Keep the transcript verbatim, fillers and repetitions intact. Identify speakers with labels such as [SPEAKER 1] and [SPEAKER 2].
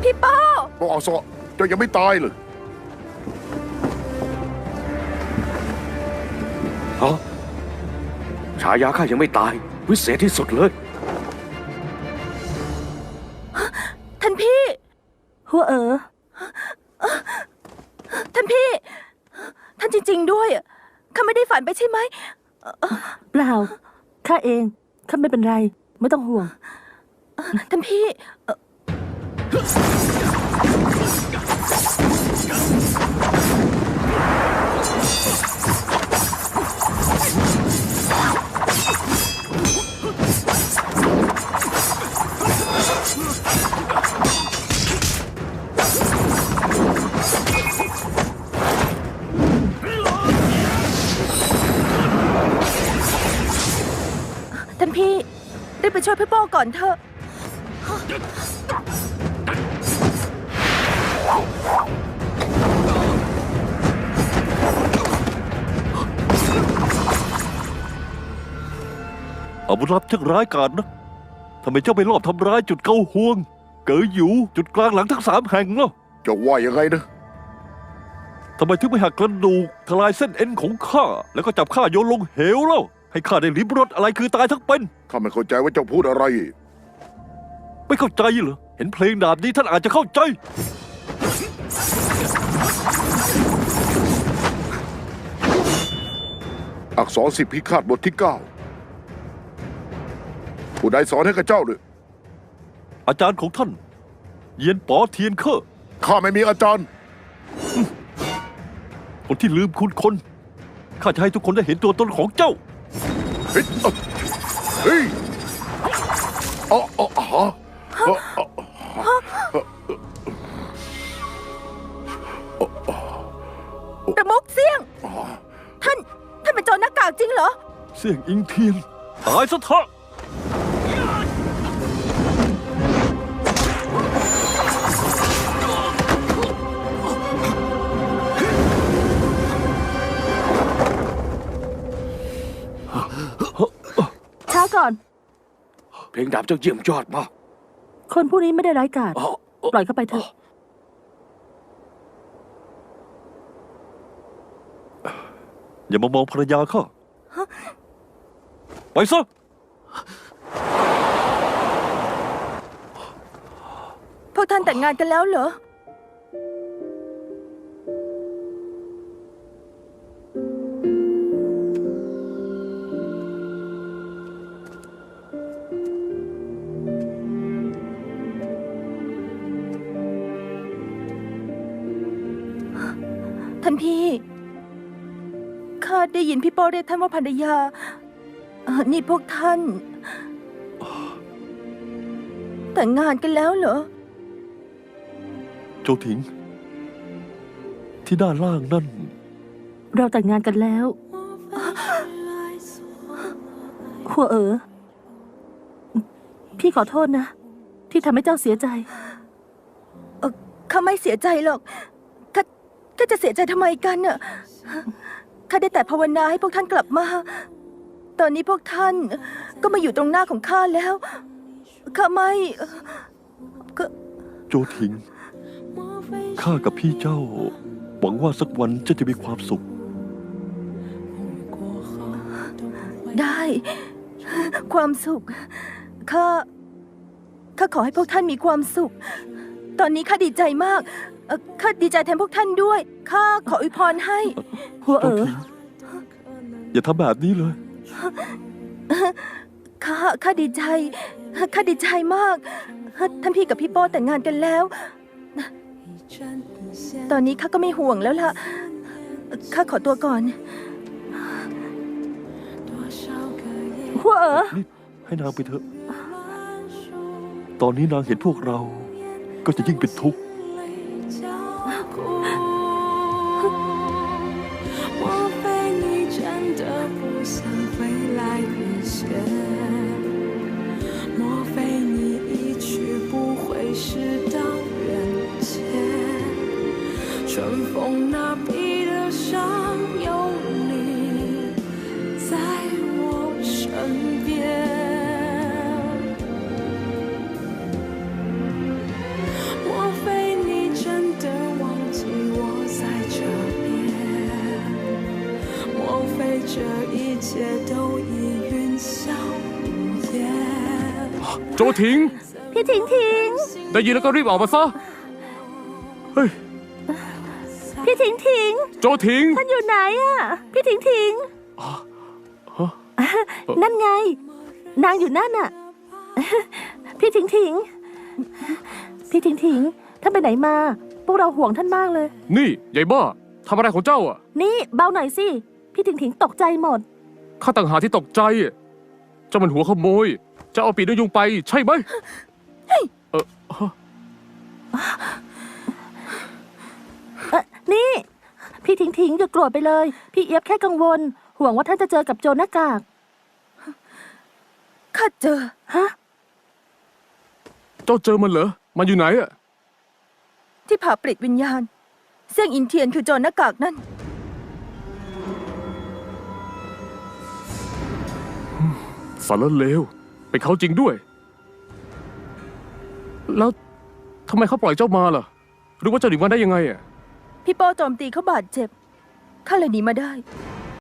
[SPEAKER 1] พี่ป้อ
[SPEAKER 2] บอกอาซอเจ้ายังไม่ตายเลย
[SPEAKER 3] ฮะฉายาข้ายังไม่ตายวิเศษที่สุดเลย
[SPEAKER 1] ท่านพี่หัวเอ๋อท่านพี่ท่านจริงๆด้วยข้าไม่ได้ฝันไปใช่ไหม
[SPEAKER 4] เปล่าข้าเองข้าไม่เป็นไรไม่ต้องห่วง
[SPEAKER 1] ท่านพี่ท่านพี่รีบไปช่วยพี่โป้ก่อนเถอะ
[SPEAKER 5] อาวุธลับช่างร้ายกาจนะทำไมเจ้าไปรอบทำร้ายจุดเกาห่วงเก๋อหยูจุดกลางหลังทั้งสามแห่งเล่า
[SPEAKER 2] จะว่ายังไงนะ
[SPEAKER 5] ทำไมถึงไม่หักกระดูกทลายเส้นเอ็นของข้าแล้วก็จับข้าโยนลงเหวเล่าให้ข้าได้ลิ้มรสอะไรคือตายทั้งเป็น
[SPEAKER 2] ข้าไม่เข้าใจว่าเจ้าพูดอะไร
[SPEAKER 5] ไม่เข้าใจเหรอเห็นเพลงดาบนี้ท่านอาจจะเข้าใจ
[SPEAKER 2] อักษรสิบพิฆาตบทที่เก้าผู้ใดสอนให้กับเจ้าเลย
[SPEAKER 5] อาจารย์ของท่านเยียนป๋อเทียนเคอ
[SPEAKER 2] ข้าไม่มีอาจารย์
[SPEAKER 5] คนที่ลืมคุณคนข้าจะให้ทุกคนได้เห็นตัวตนของเจ้า
[SPEAKER 2] เฮ้ยเฮ้ยอ๋ออ๋อฮะ
[SPEAKER 1] ประมุขเสี่ยงท่านท่านเป็นโจรหน้ากากจริงเหรอ
[SPEAKER 5] เสี่ยงอิงเทียนตายซะเถอะ
[SPEAKER 4] ช้าก่อน
[SPEAKER 3] เพลงดาบเจ้าเยี่ยมยอดมาก
[SPEAKER 4] คนผู้นี้ไม่ได้ร้ายกาจปล่อยเข้าไปเถอะ
[SPEAKER 5] อย่ามามองภรรยาข้าไปซะ
[SPEAKER 1] พวกท่านแต่งงานกันแล้วเหรอท่านพี่ข้าได้ยินพี่โป้เรียกท่านว่าภรรยานี่พวกท่านแต่งงานกันแล้วเหรอ
[SPEAKER 5] โจถิงที่ด้านล่างนั่น
[SPEAKER 4] เราแต่งงานกันแล้วหัวเอ๋อพี่ขอโทษนะที่ทำให้เจ้าเสียใจ
[SPEAKER 1] ข้าไม่เสียใจหรอกข้าข้าจะเสียใจทำไมกันน่ะข้าได้แต่ภาวนาให้พวกท่านกลับมาตอนนี้พวกท่านก็มาอยู่ตรงหน้าของข้าแล้วข้าไม่ก็
[SPEAKER 5] โจถิงข้ากับพี่เจ้าหวังว่าสักวันเจ้าจะมีความสุข
[SPEAKER 1] ได้ความสุขข้าข้าขอให้พวกท่านมีความสุขตอนนี้ข้าดีใจมากข้าดีใจแทนพวกท่านด้วยข้าขออวยพรให้
[SPEAKER 4] หัวเอ๋อ
[SPEAKER 5] อย่าทำแบบนี้เลย
[SPEAKER 1] ข้าข้าดีใจข้าดีใจมากท่านพี่กับพี่โป้แต่งงานกันแล้วตอนนี้ข้าก็ไม่ห่วงแล้วล่ะข้าขอตัวก่อน
[SPEAKER 4] หัวเอ๋อ
[SPEAKER 5] ให้นางไปเถอะตอนนี้นางเห็นพวกเราก็จะยิ่งเป็นทุกข์
[SPEAKER 6] 春风那比得上有你在我身边。莫非都已烟消云烟。
[SPEAKER 7] โจถิง
[SPEAKER 4] พี่ถิงถิง
[SPEAKER 7] ได้ยินแล้วก็รีบออกมาซะ เฮ้ย
[SPEAKER 4] พี่ถิงถิง
[SPEAKER 7] โจถิง
[SPEAKER 4] ท่านอยู่ไหนอะพี่ถิงถิง นั่นไง นางอยู่นั่นน่ะ พี่ถิงถิง พี่ถิงถิง ท่านไปไหนมา พวกเราห่วงท่านมากเลย
[SPEAKER 7] นี่ยายบ้าทำอะไรของเจ้าอ่ะ
[SPEAKER 4] นี่เบาหน่อยสิ พี่ถิงถิงตกใจหมด
[SPEAKER 7] ข้าต่างหากที่ตกใจ เจ้ามันหัวขโมย จะเอาปีกนกยุงไปใช่ไหม เออ
[SPEAKER 4] เออนี่ พี่ถิงถิงอย่าโกรธไปเลย พี่เอียบแค่กังวล ห่วงว่าท่านจะเจอกับโจรหน้ากาก
[SPEAKER 1] ข้าเจอ
[SPEAKER 4] ฮะ
[SPEAKER 7] เจ้าเจอมันเหรอ มันอยู่ไหนอ่ะ
[SPEAKER 1] ที่ผ่าปลิดวิญญาณ เสี่ยงอินเทียนคือโจรหน้ากากนั่น
[SPEAKER 7] สารเลวเป็นเขาจริงด้วย แล้วทำไมเขาปล่อยเจ้ามาล่ะ หรือว่าเจ้าหนีมาได้ยังไงอ่ะ
[SPEAKER 1] พี่โป้โจมตีเขาบาดเจ็บ ข้าเลยหนีมาได้